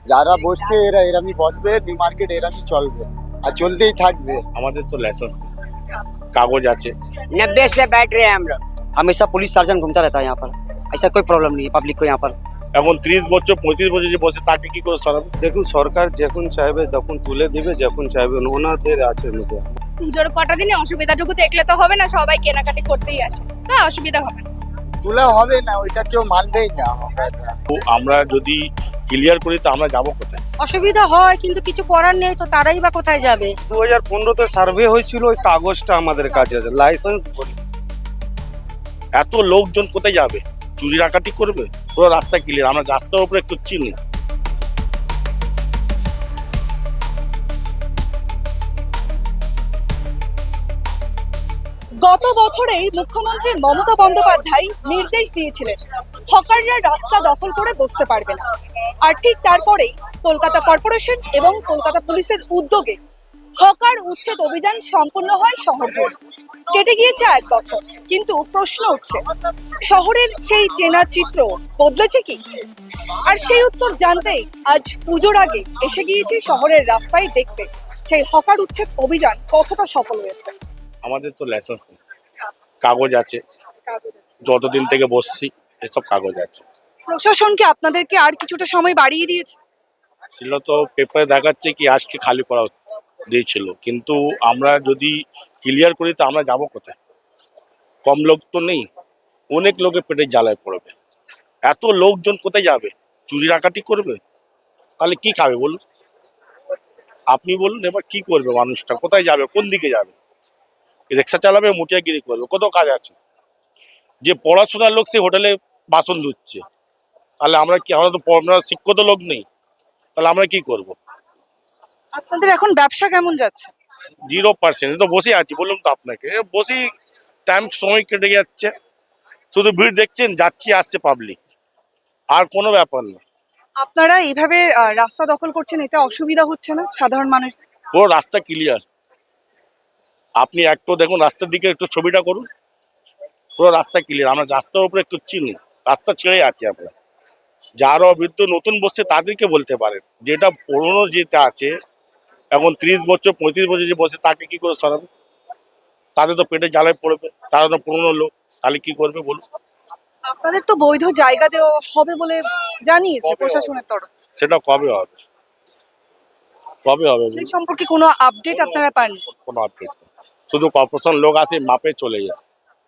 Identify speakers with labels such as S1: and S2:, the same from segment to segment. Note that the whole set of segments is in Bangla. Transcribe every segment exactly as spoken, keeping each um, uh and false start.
S1: যারা বসছে এরা এরামই বসবে, নিউ মার্কেট এরামই চলবে আর চলতেই থাকবে।
S2: আমাদের তো লাইসেন্স কাগজ আছে।
S3: नब्बे से बैठ रहे हैं हम लोग। हमेशा पुलिस सर्जन घूमता रहता है यहाँ पर, ऐसा कोई प्रॉब्लम नहीं है पब्लिक को यहाँ पर।
S2: এখন ত্রিশ বছর পঁয়ত্রিশ বছর যে বসে তাকে কি করে সরাবে?
S4: দেখুন সরকার যখন চাইবে তখন তুলে দিবে, যখন চাইবে ওনাদের আছে মধ্যে।
S5: পুজোর কটা দিনে অসুবিধাটুকু দেখলে তো হবে না, সবাই কেনাকাটি করতেই আসে, তা অসুবিধা হবে না।
S1: তোলা হবে না, ওইটা কেউ মানবেই না।
S2: তো আমরা যদি ক্লিয়ার করি তো আমরা যাবো কোথায়?
S6: অসুবিধা হয় কিন্তু কিছু করার নেই, তো তারাই বা কোথায় যাবে।
S4: দু হাজার পনেরোতে সার্ভে হয়েছিল, ওই কাগজটা আমাদের কাছে আছে, লাইসেন্স বলি।
S2: এত লোকজন কোথায় যাবে? চুরি ডাকাতি করবে? পুরো রাস্তা ক্লিয়ার, আমরা রাস্তার উপরে একটু চিনি।
S7: গত বছরেই মুখ্যমন্ত্রী মমতা বন্দ্যোপাধ্যায় নির্দেশ দিয়েছিলেন হকাররা রাস্তা দখল করে বসতে পারবে না। আর ঠিক তারপরেই কলকাতা কর্পোরেশন এবং কলকাতা পুলিশের উদ্যোগে হকার উচ্ছেদ অভিযান সম্পন্ন হয় শহর জুড়ে। কেটে গিয়েছে এক বছর, কিন্তু প্রশ্ন উঠছে, শহরের সেই চেনা চিত্র বদলেছে কি? আর সেই উত্তর জানতেই আজ পুজোর আগে এসে গিয়েছি শহরের রাস্তায় দেখতে সেই হকার উচ্ছেদ অভিযান কতটা সফল হয়েছে।
S2: আমাদের তো লাইসেন্স নেই, কাগজ আছে, যতদিন থেকে বসছি এসব কাগজ আছে।
S7: প্রশাসন কি আপনাদেরকে আর কিছুটা সময় বাড়িয়ে দিয়েছে?
S2: ছিল তো পেপারে দেখাচ্ছে কি আজকে খালি করা দিয়েছিল, কিন্তু আমরা যদি ক্লিয়ার করি তো আমরা যাবো কোথায়? কম লোক তো নেই, অনেক লোকের পেটে জ্বালায় পড়বে। এত লোকজন কোথায় যাবে? চুরি ডাকাতি করবে? তাহলে কি খাবে বলুন? আপনি বলুন এবার কি করবে মানুষটা? কোথায় যাবে? কোন দিকে যাবে? রিক্সা চালাবে, মুটিয়াগিরি করবে, কত কাজ আছে। যে পড়াশোনার লোক সে হোটেলে বাসন ধুচ্ছে, তাহলে আমরা কি? আমরা তো পড়াশোনার শিক্ষিত লোক নেই, তাহলে আমরা কি করব?
S7: আপনাদের এখন ব্যবসা কেমন যাচ্ছে?
S2: জিরো পার্সেন্ট তো বসে আছি, বললাম তো আপনাকে, বসেই টাইম সময় কেটে যাচ্ছে। শুধু ভিড় দেখছেন, যাচ্ছি আসছে পাবলিক, আর কোনো ব্যাপার না।
S7: আপনারা এইভাবে আহ, রাস্তা দখল করছেন, এতে অসুবিধা হচ্ছে না সাধারণ মানুষ?
S2: পুরো রাস্তা ক্লিয়ার, আপনি একটু দেখুন রাস্তার দিকে, একটু ছবিটা করুন, পুরো রাস্তা ক্লিয়ার। আমরা রাস্তার উপরে একটু চিনি, রাস্তা ছেড়ে আছি আমরা। যারা অভিজ্ঞ নতুন বসছে তাদেরকে বলতে পারেন, যেটা পুরোনো যেটা আছে এখন ত্রিশ বছর পঁয়ত্রিশ বছর যে বসে তাকে কি করে সরাবে? তাদের তো পেটে জ্বালায় পড়বে, তারা তো পুরোনো লোক, তাহলে কি করবে বলুন?
S7: আপনাদের তো বৈধ জায়গা দেওয়া হবে বলে জানিয়েছে
S2: কবে
S7: প্রশাসনের তরফ।
S2: সেটা কবে হবে? কবে হবে
S7: সেই সম্পর্কে কোনো আপডেট আপনারা পাননি?
S2: কোনো আপডেট নেই, শুধু কর্পোরেশন লোক আসে, মাপে চলে যায়,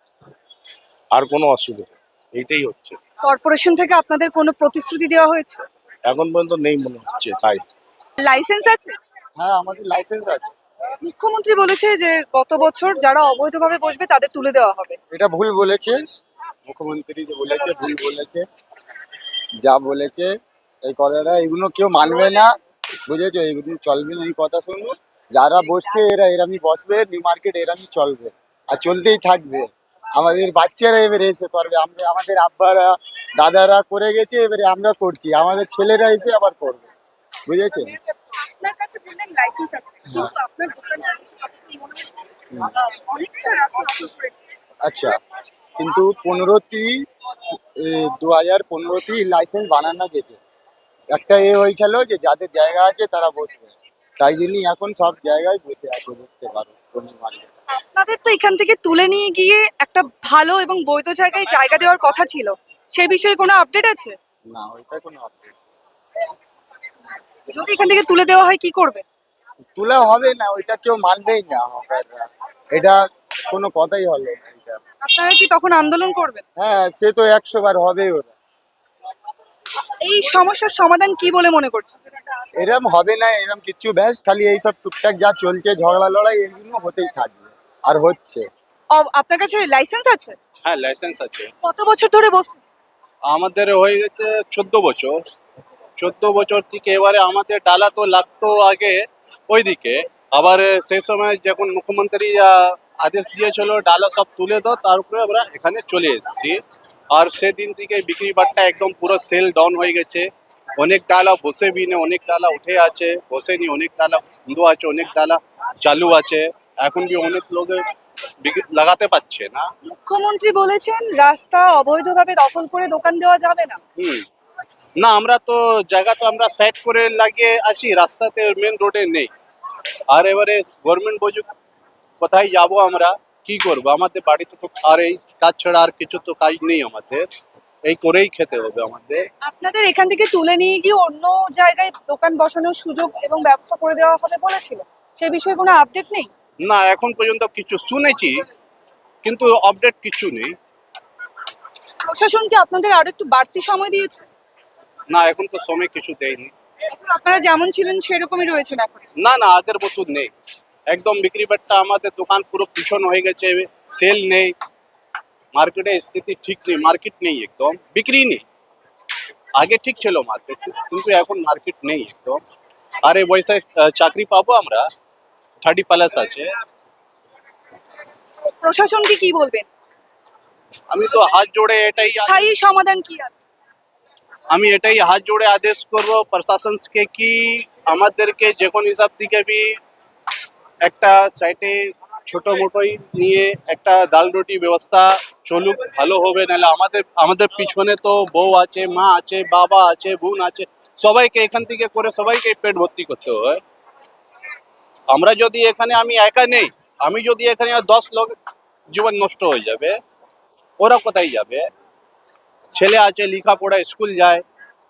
S2: আর কোনো অসুবিধা নেই। এইটাই হচ্ছে।
S7: কর্পোরেশন থেকে আপনাদের কোনো প্রতিশ্রুতি দেওয়া হয়েছে?
S2: এখন পর্যন্ত নেই মনে হচ্ছে। তাই
S7: লাইসেন্স আছে?
S1: হ্যাঁ, আমাদের লাইসেন্স আছে।
S7: মুখ্যমন্ত্রী বলেছে যে গত বছর যারা অবৈধভাবে বসবে তাদের তুলে দেওয়া হবে।
S1: এটা ভুল বলেছে মুখ্যমন্ত্রী, যে বলেছে ভুল বলেছে। যা বলেছে এই কথাটা, এগুলো কেউ মানবে না, বুঝেছো? এগুলো চলবে না, এই কথা শুনবো। যারা বসছে এরা এরামই বসবে, নিউ মার্কেট এরামই চলবে আর চলতেই থাকবে। আমাদের বাচ্চারা এবারে এসে করবে, আমরা আমাদের আব্বারা দাদারা করে গেছে, এবারে আমরা করছি, আমাদের ছেলেরা এসে আবার করবে, বুঝেছে?
S7: আপনার কাছে বললেন লাইসেন্স আছে, কিন্তু আপনার দোকানটা মনে হচ্ছে অনেকটা রাস্তা দখল করে দিয়েছে।
S1: আচ্ছা, কিন্তু পনেরোটি দু হাজার পনেরোটি লাইসেন্স বানানো গেছে। একটা এ হয়েছিল যে যাদের জায়গা আছে তারা বসবে, তাই জন্যই এখন সব জায়গায় বসে আছে, দেখতে পারো কোনো মার্কেট।
S7: আপনাদের তো এখান থেকে তুলে নিয়ে গিয়ে একটা ভালো এবং বৈধ জায়গায় জায়গা দেওয়ার কথা ছিল, সে বিষয়ে কোনো আপডেট আছে?
S1: না, ওইটা কোনো আপডেট।
S7: যদি এখান থেকে তুলে দেওয়া হয় কি করবে?
S1: তোলা হবে না, ওইটা কেউ মানবেই না হকাররা, এটা কোনো কথাই হলো না এটা।
S7: আপনারা কি তখন আন্দোলন করবেন?
S1: হ্যাঁ, সে তো একশো বার হবেই ওরা।
S7: এই সমস্যার সমাধান কি বলে মনে করছেন?
S1: এরম হবে না, এরম কিচ্ছু ব্যাস, খালি এইসব টুকটাক যা চলছে ঝগড়া লড়াই এইগুলো হতেই থাকবে আর হচ্ছে।
S7: অ- আপনার কাছে লাইসেন্স আছে?
S4: হ্যাঁ লাইসেন্স আছে,
S7: কত বছর ধরে বসছেন?
S4: আমাদের হয়ে গেছে চোদ্দ বছর। চোদ্দ বছর থেকে এবারে আমাদের ডালা তো লাগতো আগে ওইদিকে, আবার সেই সময় যখন মুখ্যমন্ত্রী আহ, আদেশ দিয়েছিল ডালা সব তুলে দাও, তারপরে আমরা এখানে চলে এসেছি। আর সেদিন থেকে বিক্রি বাট্টা একদম পুরো সেল ডাউন হয়ে গেছে। অনেক ডালা বসে বি নেই, অনেক ডালা উঠে আছে, বসেনি, অনেক ডালা বন্ধ আছে, অনেক ডালা চালু আছে। এখন বি অনেক লোক বিক্রি- লাগাতে পারছে না।
S7: মুখ্যমন্ত্রী বলেছেন রাস্তা অবৈধভাবে দখল করে দোকান দেওয়া যাবে না।
S4: হুম না আমরা তো জায়গা তো আমরা সেট করে লাগিয়ে আছি, রাস্তাতে মেন রোডে নেই। আর এবারে গভর্নমেন্ট বুঝুক কোথায় যাব আমরা, কি করব, আমাদের বাড়িতে তো আর এই কাজ ছাড়া আর কিছু তো কাজ নেই আমাদের, এই করেই খেতে হবে আমাদের।
S7: আপনাদের এখান থেকে তুলে নিয়ে গিয়ে অন্য জায়গায় দোকান বসানোর সুযোগ এবং ব্যবস্থা করে দেওয়া হবে বলেছিল, সে বিষয়ে কোনো আপডেট নেই?
S4: না এখন পর্যন্ত কিছু শুনেছি কিন্তু আপডেট কিছু নেই।
S7: প্রশাসন কি আপনাদের আরো একটু বাড়তি সময় দিয়েছে?
S4: না এখন তো সময় কিছু দেয়নি।
S7: এখন আপনারা যেমন ছিলেন সেরকমই রয়েছেন এখন?
S4: না না আগের মতো নেই, একদম বিক্রি বাট্টা আমাদের দোকান পুরো পিছন হয়ে গেছে, সেল নেই, মার্কেটে স্থিতি ঠিক নেই, মার্কেট নেই, একদম বিক্রি নেই। আগে ঠিক ছিল মার্কেট, কিন্তু এখন মার্কেট নেই একদম। আরে বয়সে চাকরি পাবো আমরা, থার্টি প্লাস আছে।
S7: প্রশাসনকে কি বলবেন?
S4: আমি তো হাত জোড়ে এটাই
S7: স্থায়ী সমাধান কি আছে?
S4: আমি এটাই হাত জোড়ে আদেশ করব প্রশাসনকে কি আমাদেরকে যে কোনো হিসাব থেকে বি একটা সাইটে ছোট মোটোই নিয়ে একটা ডাল রুটি ব্যবস্থা চলুক, ভালো হবে। নাহলে আমাদের আমাদের পিছনে তো বউ আছে, মা আছে, বাবা আছে, বোন আছে, সবাইকে এখান থেকে করে সবাইকে পেট ভর্তি করতে হয়। আমরা যদি এখানে, আমি একা নেই, আমি যদি এখানে দশ লোক জীবন নষ্ট হয়ে যাবে, ওরা কোথায় যাবে? ছেলে আছে লেখাপড়া স্কুল যায়,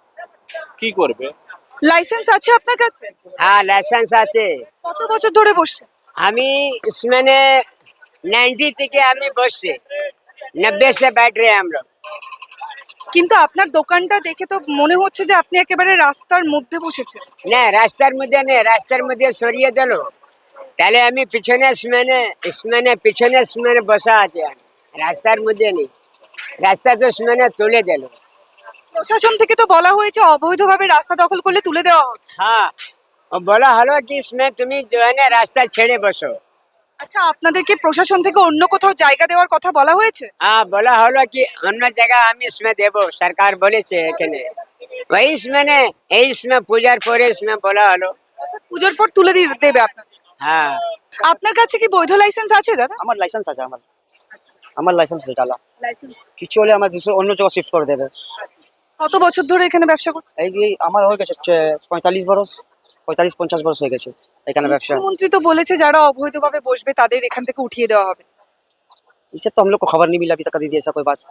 S4: কি করবে?
S7: লাইসেন্স আছে আপনার কাছে?
S8: हाँ लाइसेंस আছে।
S7: কত বছর ধরে বসছেন?
S8: আমি इसमें नाइन्टी থেকে আমি বসছি, नब्बे से बैठ रहे हैं हम लोग।
S7: কিন্তু আপনার দোকানটা দেখে তো মনে হচ্ছে যে আপনি একেবারে রাস্তার মধ্যে বসেছেন।
S8: না রাস্তার মধ্যে নেই, রাস্তার মধ্যে সরিয়ে দিল, তাহলে আমি পিছনে इसमें इसमें পিছনে इसमें বসা আছে, আমি রাস্তার মধ্যে নেই, রাস্তা তো इसमें তুলে দিল।
S7: প্রশাসন থেকে তো বলা হয়েছে অবৈধভাবে রাস্তা দখল করলে তুলে দেওয়া হবে।
S8: हाँ और बोला हलो कि इसमें तुम्हें जो है ना रास्ता ছেড়ে বসো।
S7: আচ্ছা আপনাদেরকে প্রশাসন থেকে অন্য কোথাও জায়গা দেওয়ার কথা বলা হয়েছে?
S8: हाँ बोला हलो कि অন্য জায়গা আমি इसमें দেবো, সরকার বলেছে এখানে, वही इसमें এই इसमें পূজার পরে इसमें বলা হলো।
S7: পুজোর পর তুলে দিয়ে দেবে আপনার।
S8: হ্যাঁ
S7: আপনার কাছে কি বৈধ লাইসেন্স আছে দাদা?
S3: আমার লাইসেন্স আছে, আমার আমার লাইসেন্স ডালা।
S7: লাইসেন্স
S3: কিছু হলে আমার দুশো অন্য জায়গা শিফট করে দেবে।
S7: কত বছর ধরে এখানে ব্যবসা করছেন?
S3: এই যে আমার হয়ে গেছে চ- পঁয়তাল্লিশ বরস পঁয়তাল্লিশ পঞ্চাশ বরস হয়ে গেছে এখানে ব্যবসা।
S7: মুখ্যমন্ত্রী তো বলেছে যারা অবৈধভাবে বসবে তাদের এখান থেকে উঠিয়ে দেওয়া হবে।
S3: इससे तो हम लोग को खबर नहीं मिला अभी तक दीदी, ऐसा कोई बात,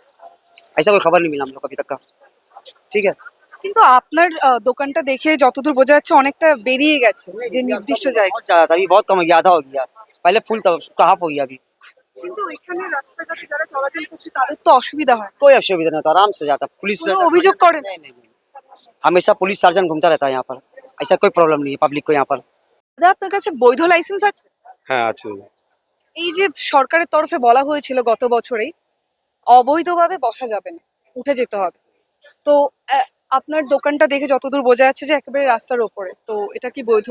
S3: ऐसा कोई खबर नहीं मिला हम लोग को अभी तक का। ठीक है,
S7: কিন্তু আপনার আহ, দোকানটা দেখে যতদূর বোঝা যাচ্ছে অনেকটা বেরিয়ে গেছে যে নির্দিষ্ট জায়গা।
S3: बहुत ज्यादा था, अभी बहुत कम हो गया, आधा हो गया, पहले फुल था उसका हाफ हो गया अभी।
S7: কিন্তু এখানে রাস্তাঘাটে যারা চলাচল করছে তাদের তো অসুবিধা হয়।
S3: कोई असुविधा नहीं होता, आराम से जाता पुलिस।
S7: কোনো অভিযোগ করেন?
S3: नहीं नहीं नहीं। हमेशा पुलिस सर्जन घूमता रहता है यहाँ पर, ऐसा कोई प्रॉब्लम नहीं है पब्लिक को यहाँ पर।
S7: দাদা আপনার কাছে বৈধ লাইসেন্স আছে?
S2: হ্যাঁ আছে।
S7: এই যে সরকারের তরফে বলা হয়েছিল গত বছরেই অবৈধভাবে বসা যাবে না, উঠে যেতে হবে, তো আহ, আপনার দোকানটা দেখে যতদূর বোঝা যাচ্ছে যে একেবারে রাস্তার ওপরে, তো এটা কি বৈধ?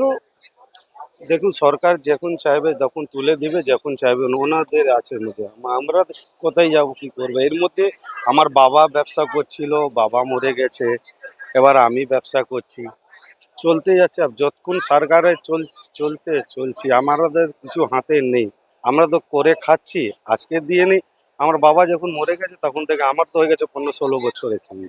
S9: দেখুন সরকার যখন চাইবে তখন তুলে দিবে, যখন চাইবে ওনাদের আছে মধ্যে, আমরা কোথায় যাব, কি করবো? এর মধ্যে আমার বাবা ব্যবসা করছিল, বাবা মরে গেছে, এবার আমি ব্যবসা করছি, চলতে যাচ্ছে। আর যতক্ষণ সরকারে চল চলতে চলছি, আমাদের কিছু হাতে নেই, আমরা তো করে খাচ্ছি, আজকে দিয়ে নেই। আমার বাবা যখন মরে গেছে তখন থেকে আমার তো হয়ে গেছে পনেরো ষোলো বছর এখানে।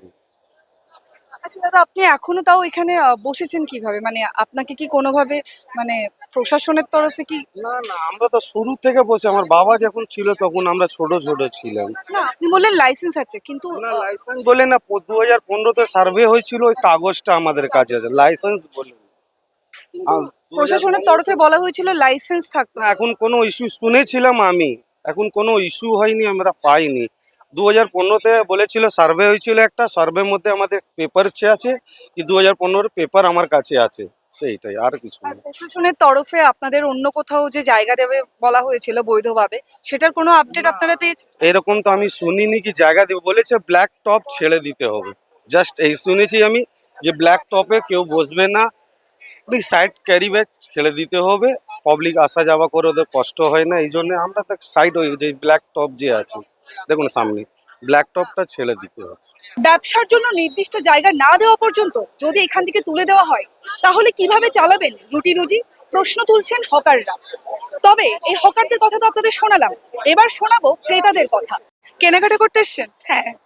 S7: আচ্ছা দাদা আপনি এখনো তাও এখানে আহ, বসেছেন কিভাবে, মানে আপনাকে কি কোনোভাবে মানে প্রশাসনের তরফে কি?
S9: না না আমরা তো শুরু থেকে বসে, আমার বাবা যখন ছিল তখন আমরা ছোট ছোট ছিলাম।
S7: না আপনি বললেন লাইসেন্স আছে কিন্তু
S9: না
S7: আহ,
S9: লাইসেন্স বলে না, দু হাজার পনেরোতে সার্ভে হয়েছিল, ওই কাগজটা আমাদের কাছে আছে, লাইসেন্স বলে না। আর
S7: প্রশাসনের তরফে বলা হয়েছিল লাইসেন্স থাকতো।
S9: না, এখন কোনো ইস্যু শুনেছিলাম আমি, এখন কোনো ইস্যু হয়নি, আমরা পাইনি। দু হাজার পনেরোতে বলেছিল সার্ভে হয়েছিল একটা, সার্ভের মধ্যে আমাদের পেপার আছে কি দু হাজার পনেরোর পেপার আমার কাছে আছে, সেইটাই, আর কিছু
S7: আর
S9: না।
S7: প্রশাসনের তরফে আপনাদের অন্য কোথাও যে জায়গা দেবে বলা হয়েছিল বৈধভাবে, সেটার কোনো আপডেট আপনারা পেয়েছেন?
S9: এরকম তো আমি শুনিনি কি জায়গা দেবে, বলেছে ব্ল্যাক টপ ছেড়ে দিতে হবে, জাস্ট এই শুনেছি আমি যে ব্ল্যাক টপে কেউ বসবে না, ওই সাইড ক্যারি ব্যাগ ছেড়ে দিতে হবে, পাবলিক আসা যাওয়া করে ওদের কষ্ট হয় না, এই জন্য আমরা তো সাইড ওই যে ব্ল্যাক টপ যে আছে দেখুন সামনে, ব্ল্যাক টপটা ছেড়ে দিতে হচ্ছে।
S7: ব্যবসার জন্য নির্দিষ্ট জায়গা না দেওয়া পর্যন্ত যদি এখান থেকে তুলে দেওয়া হয় তাহলে কিভাবে চালাবেন রুটি রুজি, প্রশ্ন তুলছেন হকাররা। তবে এই হকারদের কথা তো আপনাদের শোনালাম, এবার শোনাবো ক্রেতাদের কথা। কেনাকাটা করতে এসছেন?
S5: হ্যাঁ।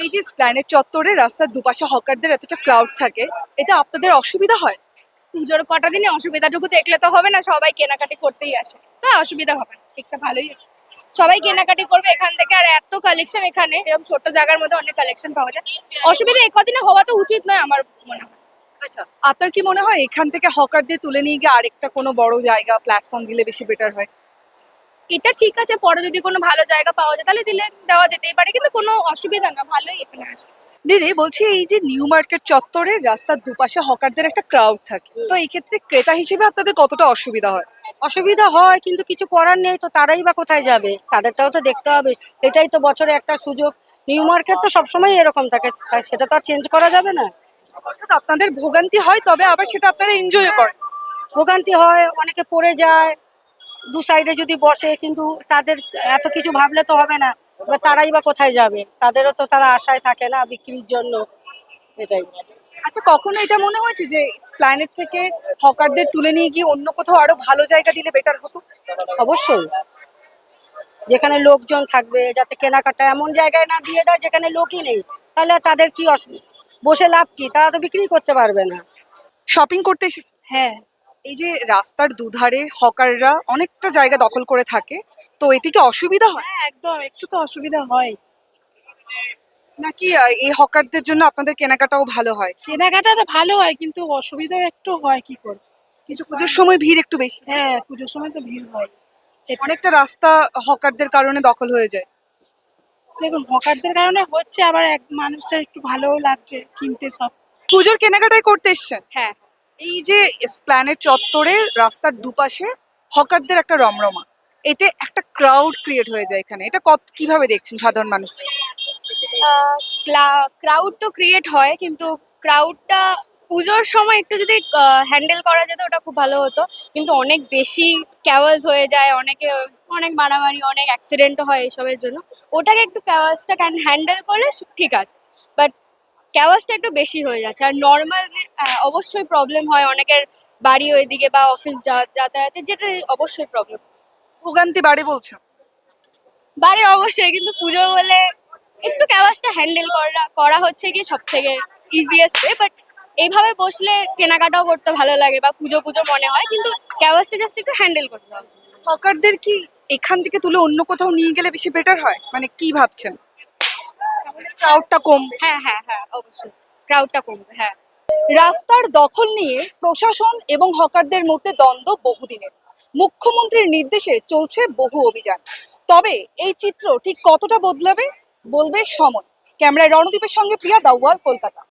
S7: এই যে প্ল্যানেট চত্বরে রাস্তার দুপাশে হকারদের এতটা ক্রাউড থাকে, এটা আপনাদের অসুবিধা হয়?
S5: পুজোর কটা দিনে অসুবিধাটুকু দেখলে তো হবে না, সবাই কেনাকাটি করতেই আসে, তো অসুবিধা হবে না, ঠিক তো ভালোই হবে। সবাই কেনাকাটি করবে এখান থেকে, আর এত কালেকশন এখানে, এরকম ছোট জায়গার মধ্যে অনেক কালেকশন পাওয়া যায়। অসুবিধা এই কদিনে হওয়া তো উচিত নয় আমার মনে হয়।
S7: আচ্ছা, আপনার কি মনে হয় এখান থেকে হকারদের তুলে নিয়ে গিয়ে আরেকটা কোনো বড় জায়গা প্ল্যাটফর্ম দিলে বেশি বেটার হয়?
S5: এটা ঠিক আছে, পরে যদি কোনো ভালো জায়গা পাওয়া যায় তাহলে দিলে দেওয়া যেতেই পারে, কিন্তু কোনো অসুবিধা না, ভালোই এখানে আছে।
S7: দিদি বলছি, এই যে নিউ মার্কেট চত্বরে রাস্তার দুপাশে হকারদের একটা ক্রাউড থাকে, তো এই ক্ষেত্রে ক্রেতা হিসেবে আপনাদের কতটা অসুবিধা হয়?
S6: অসুবিধা হয়, কিন্তু কিছু করার নেই, তো তারাই বা কোথায় যাবে? তাদেরটাও তো দেখতে হবে। এটাই তো বছরে একটা সুযোগ। নিউ মার্কেট তো সবসময় এরকম থাকে, তাই সেটা তো আর চেঞ্জ করা যাবে না।
S7: অর্থাৎ আপনাদের ভোগান্তি হয়, তবে আবার সেটা আপনারা এনজয় করেন।
S6: ভোগান্তি হয়, অনেকে পড়ে যায় দু সাইডে যদি বসে, কিন্তু তাদের এত কিছু ভাবলে তো হবে না। এবার তারাই বা কোথায় যাবে? তাদেরও তো তারা আশায় থাকে না বিক্রির জন্য, এটাই।
S7: আচ্ছা, কখনো এটা মনে হয়েছে যে প্ল্যানেট থেকে হকারদের তুলে নিয়ে গিয়ে অন্য কোথাও আরো ভালো জায়গা দিলে বেটার হতো?
S6: অবশ্যই, যেখানে লোকজন থাকবে, যাতে কেনাকাটা এমন জায়গায় না দিয়ে দেয় যেখানে লোকই নেই, তাহলে আর তাদের কি অসুবিধা? বসে লাভ কি? তারা তো বিক্রি করতে পারবে না।
S7: শপিং করতে এসেছি।
S6: হ্যাঁ,
S7: এই যে রাস্তার দুধারে হকাররা অনেকটা জায়গা দখল করে থাকে, তো এতে কি অসুবিধা হয়
S6: হ্যাঁ, একদম একটু তো অসুবিধা হয়।
S7: নাকি আহ, এই হকারদের জন্য আপনাদের কেনাকাটাও ভালো হয়?
S6: কেনাকাটা তো ভালো হয়, কিন্তু অসুবিধা একটু হয়, কি করবে?
S7: কিছু পুজোর সময় ভিড় একটু বেশি,
S6: হ্যাঁ, পুজোর সময় তো ভিড় হয়।
S7: অনেকটা রাস্তা হকারদের কারণে দখল হয়ে যায়।
S6: দেখুন, হকারদের কারণে হচ্ছে, আবার এক মানুষের একটু ভালোও লাগছে কিনতে সব।
S7: পুজোর কেনাকাটাই করতে এসছেন?
S5: হ্যাঁ,
S7: এই যে প্ল্যানেট চত্বরে রাস্তার দুপাশে হকারদের একটা রমরমা, এতে একটা ক্রাউড ক্রিয়েট হয়ে যায় এখানে, এটা কত কিভাবে দেখছেন সাধারণ মানুষ?
S5: ক্রাউড তো ক্রিয়েট হয়, কিন্তু ক্রাউডটা পুজোর সময় একটু যদি হ্যান্ডেল করা যেত ওটা খুব ভালো হতো, কিন্তু অনেক বেশি ক্যাওয়াজ হয়ে যায়, অনেকে অনেক মারামারি, অনেক অ্যাক্সিডেন্টও হয় এসবের জন্য। ওটাকে একটু ক্যাওয়াজটা হ্যান্ডেল করলে ঠিক আছে, বাট ক্যাওয়াজটা একটু বেশি হয়ে যাচ্ছে। আর নর্মাল অবশ্যই প্রবলেম হয়, অনেকের বাড়ি ওইদিকে বা অফিস যাতায়াতে, যেটা অবশ্যই প্রবলেম
S7: ভোগান্তি বাড়ে বলছেন?
S5: বাড়ে অবশ্যই, কিন্তু পুজো বলে একটু ক্যাওয়াজটা হ্যান্ডেল করা করা হচ্ছে কি সব থেকে ইজিয়েস্ট ওয়ে। বাট এইভাবে বসলে কেনাকাটাও করতে ভালো লাগে বা পুজো পুজো মনে হয়, কিন্তু ক্যাওয়াজটা জাস্ট একটু হ্যান্ডেল করতে হবে।
S7: হকারদের কি এখান থেকে তুলে অন্য কোথাও নিয়ে গেলে বেশি বেটার হয়, মানে কি ভাবছেন? ক্রাউডটা কমবে?
S5: হ্যাঁ হ্যাঁ হ্যাঁ, অবশ্যই ক্রাউডটা কমবে। হ্যাঁ,
S7: রাস্তার দখল নিয়ে প্রশাসন এবং হকারদের মধ্যে দ্বন্দ্ব বহুদিনের। মুখ্যমন্ত্রীর নির্দেশে চলছে বহু অভিযান, তবে এই চিত্র ঠিক কতটা বদলাবে বলবে সময়। ক্যামেরায় রণদীপের সঙ্গে প্রিয়া দাওয়াল, কলকাতা।